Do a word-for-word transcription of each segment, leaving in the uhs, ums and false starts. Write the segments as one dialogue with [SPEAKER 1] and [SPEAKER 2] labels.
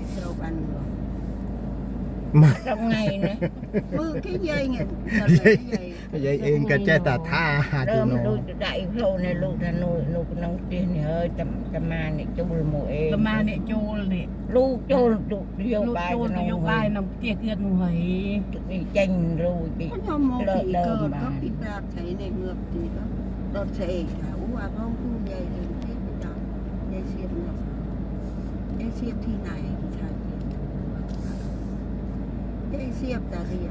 [SPEAKER 1] Sao ăn được
[SPEAKER 2] trong ngày nữa
[SPEAKER 1] mưa cái dây nghe
[SPEAKER 3] dây dây yên cái che tà tha
[SPEAKER 2] đơm đôi đại phô này lúc là nồi lúc nóng tiền này ơi tầm tầm mà này cho bùi mùi em
[SPEAKER 4] tầm mà này chôn này
[SPEAKER 2] lúc chôn lúc vô
[SPEAKER 4] lúc
[SPEAKER 2] bài
[SPEAKER 4] chôn vô bài nằm kia kia người
[SPEAKER 2] bị chanh rồi bị
[SPEAKER 1] có nhau một
[SPEAKER 2] lợn
[SPEAKER 1] kỳ
[SPEAKER 2] đơm
[SPEAKER 1] cờ
[SPEAKER 2] mà
[SPEAKER 1] có bị đạp thấy này ngược thì đó đọt xe cả ú à không khu dây đừng thế bây giờ dây xiêm ngược dây xiêm thi này thì thay dây xiêm ta thì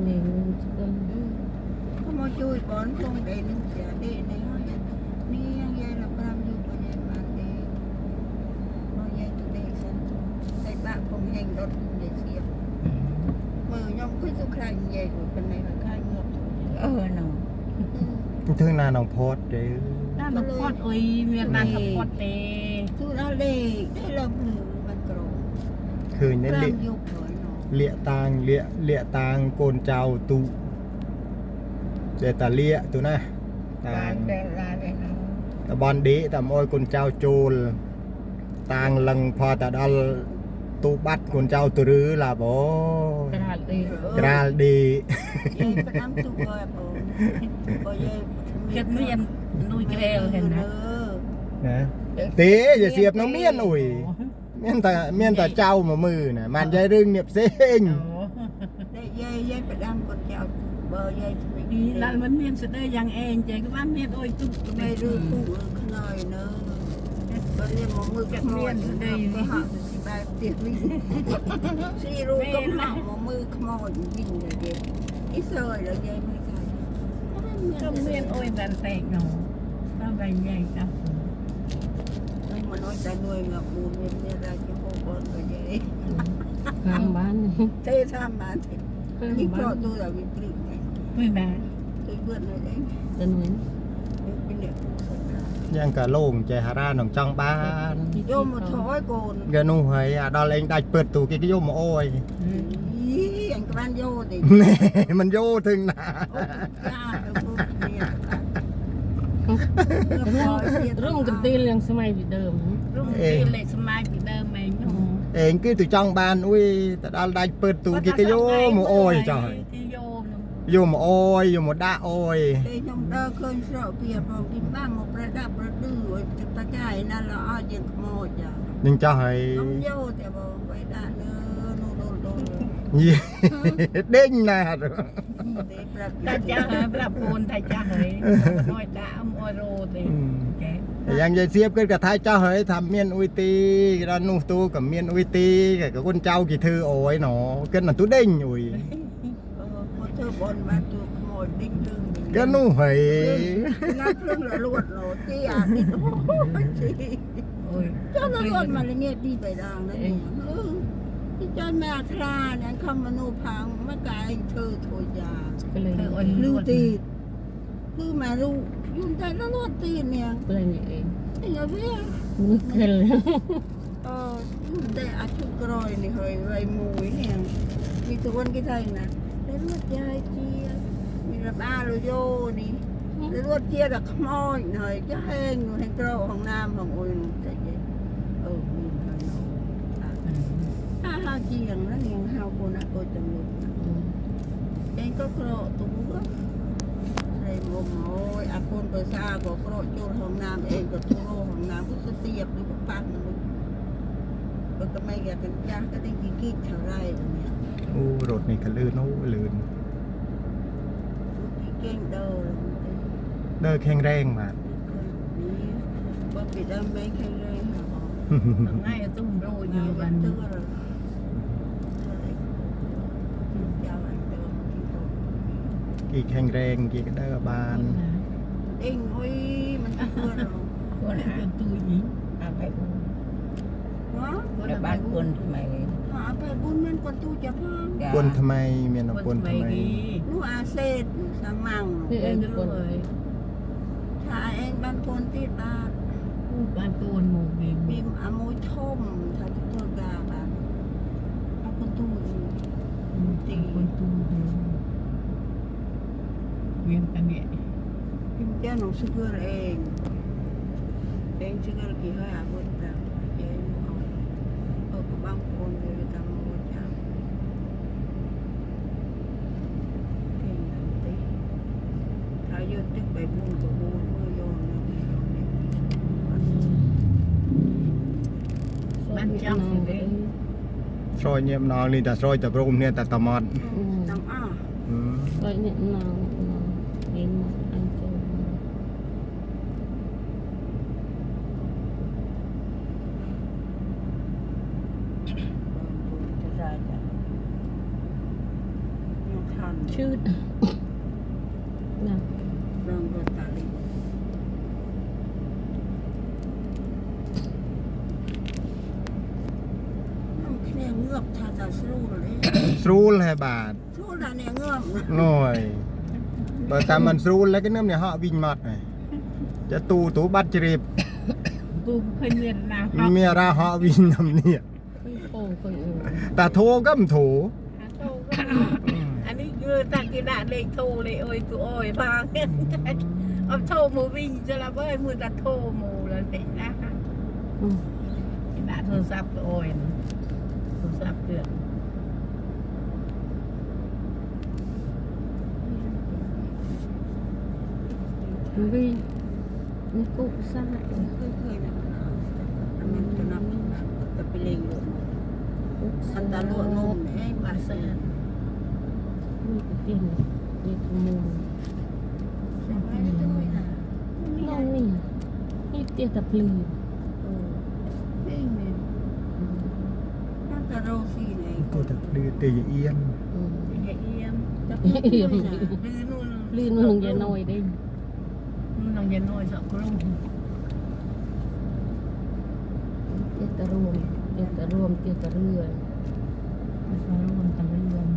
[SPEAKER 1] có một chui bón không để nên sẽ để này thôi ni dây là làm gì có dây mà để có dây tụi đây sẵn đây bạn không hành đọt cùng dây xiêm mờ nhau cứ du khai dây của bên này là khai ngược
[SPEAKER 2] ờ nó
[SPEAKER 3] thương là nòng phốt chứ
[SPEAKER 4] ta nó quạt ơi miền Nam nó quạt tê
[SPEAKER 1] tôi đã để để làm lửaมันกรอง
[SPEAKER 3] คือเน้น
[SPEAKER 1] làm
[SPEAKER 3] เละ
[SPEAKER 1] dục rồi nó
[SPEAKER 3] เละตางเละเละตางโกนเจ้าตุเดตาเละตัวนะตาง
[SPEAKER 2] ra ra đây nó
[SPEAKER 3] ตะบอนดีตะมอยโกนเจ้าโจลตางลังพอตะดอลตูบัดโกนเจ้าตัวรือล่ะบ่
[SPEAKER 2] ra đi
[SPEAKER 3] กราลดี
[SPEAKER 1] dây phải nắm tụ coi bộ coi dây
[SPEAKER 4] เกิดเมียนนุยเกลียวเห็นนะ
[SPEAKER 3] นะเต๋อย่าเสียบน้องเมียนอุ้ยเมียนแต่เมียนแต่เจ้ามามือน่ะมันยายรึงเนียบเซ็ง
[SPEAKER 1] dây dây dây phải đâm con chào bờ dây phải
[SPEAKER 4] ดี
[SPEAKER 1] đi
[SPEAKER 4] ร้านมันเมียนสุดเลยยังเองเจ๊ก็บ้านเมียนโอ้ยตุ๊ก
[SPEAKER 1] mày đưa phụ khơi nữa bờ dây một mưa cắt mồi đây cái họ thì ba tiệt đi xì ru cấm họ một mưa mồi nhìn là đẹp ít rồi là dây mới cài
[SPEAKER 4] ก็เมียนโอ้ยดันแตกหนูต้องไปใหญ่จ้ะ
[SPEAKER 1] nhưng mà nói ta nuôi ngập bùn nên ra cái hồ con rồi dây
[SPEAKER 5] ข้างบ้านนี่
[SPEAKER 1] thế sao mà thì
[SPEAKER 5] ข้าง
[SPEAKER 1] những
[SPEAKER 5] บ้า
[SPEAKER 1] trò
[SPEAKER 5] น
[SPEAKER 1] tôi là bị trịnh này
[SPEAKER 4] ไม่แม่
[SPEAKER 1] tôi vượt rồi đấy
[SPEAKER 5] จะหนุน
[SPEAKER 1] cái niệm
[SPEAKER 3] ยังกะโล่งใจฮาราหนองจังบ้าน
[SPEAKER 1] vô một thói cồn
[SPEAKER 3] กะนู่เฮยอ่ะดอลเองได้เปิดตู้กิกโยมโอ้ย
[SPEAKER 1] ý anh các bạn vô thì
[SPEAKER 3] แน่มันโยถึงหนา
[SPEAKER 1] ra được không tiền
[SPEAKER 5] รุ่งกันตีเรื่องสมัยเดิม
[SPEAKER 4] รุ่งที่เล็กสมัยที่เดิมเองหนู
[SPEAKER 3] เองคือตุจังบ้านอุ้ยแต่ดอลได้เปิดตู้กิกโยมโอ้ยจ้อย
[SPEAKER 4] ที่โยม
[SPEAKER 3] โยมโอ้ยโยมด่าโอ้ย
[SPEAKER 1] đây trong đơ cơn sợ kìa vào kim ba một ra đạp ra đưa rồi chúng ta chạy nên là ai chuyện mồi chả
[SPEAKER 3] ยังจะให้
[SPEAKER 1] không vô thì vào vậy đã nữa nó đồ đồ
[SPEAKER 3] ยี่เด้งหนา
[SPEAKER 1] để ra
[SPEAKER 4] ตาจ้าเฮ้ยปรับปูนตาจ้าเฮ้ยน้อยตาอมอโรตีแก
[SPEAKER 3] แต่ยังจะเสียบกันกับท้ายเจ้าเฮ้ยทำเมียนอุยตีร้านนู่ตูกับเมียนอุยตีกับคนเจ้ากี่thưโอ้ยหนอเกินหนังตู้เด้งอุ้ย
[SPEAKER 1] một thứ bồn mà tụi mồi đinh lưng
[SPEAKER 3] ก็นู่เฮ้ย
[SPEAKER 1] nó lưng là luột nó chi à đi chi
[SPEAKER 4] โอ้ย
[SPEAKER 1] cho nó luột mà là nghe đi về đàng đấy ừ cho mẹ kha nên không mà nô phang mấy cái anh thơ thôi già
[SPEAKER 5] ก็เลย
[SPEAKER 4] คือโอ้ย
[SPEAKER 1] lưu tiền cứ mà lưu dùng tay nó luột tiền nè
[SPEAKER 5] ก็เลยนี่เอง
[SPEAKER 1] anh nhớ biết
[SPEAKER 5] นึกขึ้นเลย
[SPEAKER 1] ờ dùng tay ăn chút rồi này hơi vậy mùi nè vì tụi con cái thằng nè để luột dài chia mình là ba rồi vô đi để luột chia là không môi rồi chứ hên rồi hên trâu hồng nam hồng ôi chạy vậy ừ mình hơi nó ha ha chi rằng nó liền hao cô nè cô chồng luôn em có cro tú á đây một mồi à con bờ xa có cro chôn hồng nam em có tu lô hồng nam có xuất tiệp đi có phát nó luôn rồi cái mấy cái cái cha cái đinh kia kia thở rai rồi nè
[SPEAKER 3] อู้รถนี่ก็ลื่นอู้ลื่น
[SPEAKER 1] cái kênh đầu rồi
[SPEAKER 3] เดินแข็งแรงมา
[SPEAKER 1] có bị đâm mấy kênh rai hả
[SPEAKER 4] ง่ายตุ้มโรยอยู่
[SPEAKER 1] nhiều
[SPEAKER 4] บัน
[SPEAKER 1] bạn tư rồi chào anh được
[SPEAKER 3] กี่แข็งแรงกี่ก็เดินบาน
[SPEAKER 1] anh ơi mình chưa rồi
[SPEAKER 4] คนหาตัวหญิง
[SPEAKER 2] à phải buồn
[SPEAKER 1] đó
[SPEAKER 2] là bán buồn thì mày
[SPEAKER 1] họ phải buôn men con tu chả phong
[SPEAKER 3] ปนทำไมเมียน
[SPEAKER 4] คน
[SPEAKER 3] ปน
[SPEAKER 4] ไม่
[SPEAKER 3] ทำไม
[SPEAKER 4] ดี
[SPEAKER 1] nu a sét sang măng
[SPEAKER 5] นี่เอง
[SPEAKER 4] เอ
[SPEAKER 5] คน
[SPEAKER 4] อ
[SPEAKER 1] thà anh ban con tiết ba
[SPEAKER 4] ผู้บ้านตัวหมู่บีม
[SPEAKER 1] bìm à môi thôm thà chúng tôi gà bà nó con tu
[SPEAKER 4] ตีคนตัวเวียนกันเนี่ย
[SPEAKER 1] kim cha nó sugar anh anh sugar kỳ hơi à buồn ra vậy nó ở cái băng con rồi บุญกับบุญมือยอนเลย
[SPEAKER 4] มันจังสิเด้
[SPEAKER 3] ซอยเงียบนองนี่แต่ซอยแต่พระองค์เนี่ยแต่ตะมอด
[SPEAKER 1] ตั้งอ้า
[SPEAKER 3] อืม
[SPEAKER 5] Rồi nhận nào đến một anh chơi
[SPEAKER 1] จะได้จ้ะยังทัน
[SPEAKER 5] Chứ Nào
[SPEAKER 1] เริ่มรถตาลีน้ำแค่เงือบทาตาสู้เลย
[SPEAKER 3] Srul hay bà
[SPEAKER 1] สู้ละเนี่ยเงือบ
[SPEAKER 3] rồi bởi ta mình srul lấy cái nước này họ vinh mặt nàyจะตูตูบัตรจริบ
[SPEAKER 4] กูเคยเรียนนาเขา
[SPEAKER 3] เมียราhọ vinh nằmเนี่ย
[SPEAKER 5] Ôi ôi ôi
[SPEAKER 3] แต่โทก็มโถ
[SPEAKER 4] อันนี้คือตากิดาเลขโทรเลยโอ้ยกูโอ้ยพังเอาโทรมูวิ่งจะละเว้ยมือตาโทรมูเลยเด็กนะ
[SPEAKER 5] Ừ
[SPEAKER 4] กิดาโทรศัพท์โอ้ยโทรศัพท์เกิด
[SPEAKER 5] Vì Nó cụ xa
[SPEAKER 1] เคยเคยนะมันจะนับจะไปเล็งรถมันตาลวดนมให้บาเซ่
[SPEAKER 5] Ui cái tiền này Đi cái mùa
[SPEAKER 1] ใช่ไหมไม่ด้วยนะ
[SPEAKER 5] Nó nè Đi tiền tập lì
[SPEAKER 1] เองเนี่ยน่าจะโรซี่ไหน
[SPEAKER 3] ก็จะดื้อตีเอียน
[SPEAKER 5] Ừ
[SPEAKER 4] อย่าเอียม
[SPEAKER 1] จะพูดด้วยนะ
[SPEAKER 4] ลือนู่น
[SPEAKER 5] Lì nó lùng về nồi đi
[SPEAKER 4] นู่นน้องอย่าน้อยสองกลุ่ม
[SPEAKER 5] Tiết ta ruộng Tiết ta ruộng Tiết ta rửa
[SPEAKER 4] มาสอนคนตะเรือน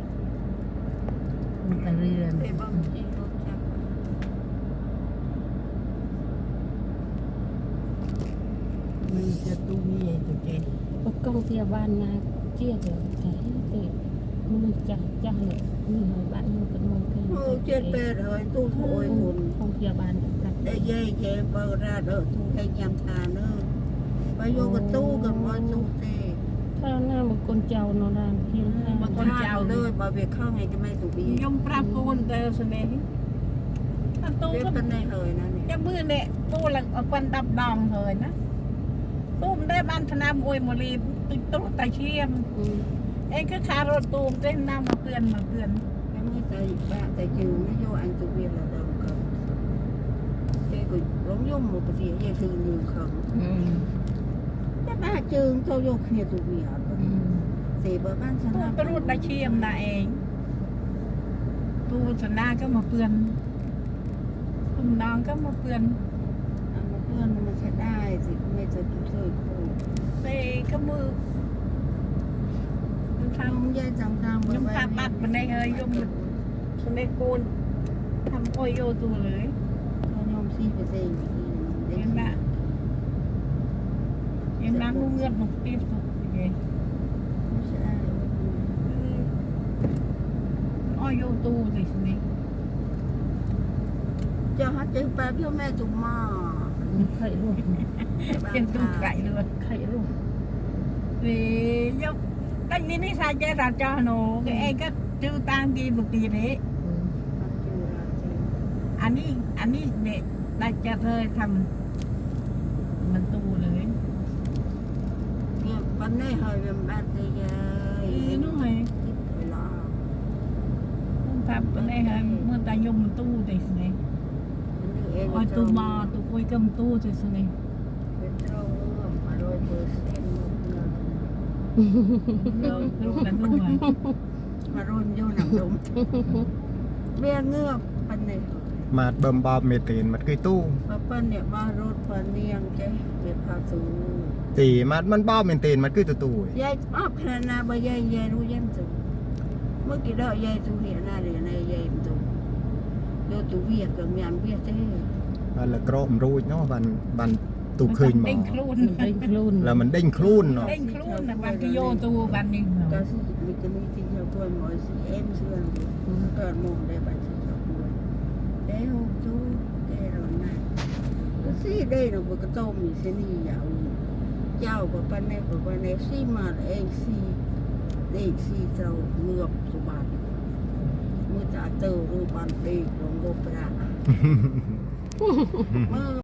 [SPEAKER 4] คนตะเรือน
[SPEAKER 1] ไปบ้างที่รถจักร
[SPEAKER 4] มันจะตู้มีไอ้ตัวเจ
[SPEAKER 5] Có công tia ban nhà Chia kìa Cái cái Mình chặt chặt lại Mình hỏi bạn Mình cần mong cái
[SPEAKER 1] โอ้เจ็ดแปดเฮ้ยตู้โอยคน
[SPEAKER 5] Không tia ban Chặt
[SPEAKER 1] ได้เย่เย่เปิดร้านเออตู้ให้ยำทานเนอะไปโยกับตู้กับมอนตู้เต้
[SPEAKER 5] Sao nào một con trâu nó đang Thiên ra
[SPEAKER 1] มาคนเจ้าเลยมาเบียเข้าให้จะไม่ถูกบี
[SPEAKER 4] ยมปรับกูนเตอร์สเน่ถ้าตู้
[SPEAKER 1] เรียก
[SPEAKER 4] ก็
[SPEAKER 1] เป็นในเลยนะเนี่ย
[SPEAKER 4] จะมือเนี่ยตู้ละเอาควันดับดองเลยนะตู้มได้บ้านธนามอวยมรีติดตู้ตาเชียม
[SPEAKER 5] Ừ
[SPEAKER 4] เองก็คารถตูมเต้นน้ำมาเตือนมาเตือน
[SPEAKER 1] cái mới tay ba tay trừ nó vô anh tụi viên là đầu cầm cái cũng giống giống một cái gì vậy thường nhiều không
[SPEAKER 2] อืม
[SPEAKER 1] cái ba trường thôi vô kia tụi viên thì bữa ban
[SPEAKER 4] ตู้
[SPEAKER 1] sáng
[SPEAKER 4] ไปรูดตาเชียมนะเองตู้สนาก็มาเตือนตุ้มน้องก็มาเตือน
[SPEAKER 1] ăn một bữa nó sẽ đai thì cũngไม่จะตุ้ยคู่
[SPEAKER 4] เตะก็มือมันท
[SPEAKER 1] không dây chồng chồng
[SPEAKER 4] ำยมพาปัดมันได้เฮ้ยยมสเนโกนทำโอยโยตัวเลย
[SPEAKER 1] không nhom xi phải gì
[SPEAKER 4] เห็นไหมเห็นน้ำนุ่งเงือกหนุกตีบสุดยังไง
[SPEAKER 1] nó sẽ đai
[SPEAKER 4] อ้อยโยตูสิสนี่
[SPEAKER 1] cho hết chữ ba cho mẹ tụi mò
[SPEAKER 5] Khẩy luôn
[SPEAKER 4] เป็นตู้ไก่เลย
[SPEAKER 5] Khẩy luôn
[SPEAKER 4] เฮ้ยยกตั้งนี้นี่ใส่ใจเราจอหนูก็เองก็จื้อตามกีบุตีนี้
[SPEAKER 5] Ừ
[SPEAKER 4] อันนี้อันนี้เนี่ยได้จะเธอทำมันตูเลย
[SPEAKER 1] เนี่ยวันนี้เฮ้ยเป็นบ้านที่ใหญ่
[SPEAKER 4] เอ้ยนู่นไง
[SPEAKER 1] ไปรอ
[SPEAKER 4] ต้องทำไปได้ฮะเมื่อตายมมันตู้สิสนี่
[SPEAKER 1] เอง
[SPEAKER 4] อ้อยตูมาตูคุยกับตู้สิสนี่
[SPEAKER 1] เป็นโรคมาโรยเปอร์เซ็นต์
[SPEAKER 4] เราลูกกันนู่นไง
[SPEAKER 1] มาโรยโยนหนังดมเบี้ยเงือบปันเนี่ย
[SPEAKER 3] มาดเบิ่มบอบเมตีนมันคือตู้
[SPEAKER 1] มาปันเนี่ยมารถปันเนียงเจ๊เบียพาสู
[SPEAKER 3] ตีมันมันบอบเมตีนมันคือตู้ตู้
[SPEAKER 1] ยายอ้อบขนาดนาบยายยายรู้ยันสูเมื่อกี้เรายายสูเนี่ยนาเรียนในยายมันสูโยตูเวียกับเมียนเวียเจ๊
[SPEAKER 3] มันละกรมรูดเนาะบันบันตูคืนหมอ
[SPEAKER 4] เด้งครูน
[SPEAKER 5] Đánh luôn
[SPEAKER 3] แล้วมันเด้งคลุ่นเนาะ
[SPEAKER 4] เด้งครูนนะบันกิโยตูบันนี่
[SPEAKER 1] ก็สิมีกันนี่ที่เราตัวหมอสิเอ็มเชื่องเกิดมองได้บัตรที่เราด้วยเอ้โหจูแกเราหน้าก็สิได้เราบอกก็ต้องมีเสนียาวเจ้ากับปันเนี่ยกับปันเนี่ยสิมาเองสิเด็กสิเจ้าเงือบสุบานมือจ่าเตอรูปันเด็กลงโลปรามือ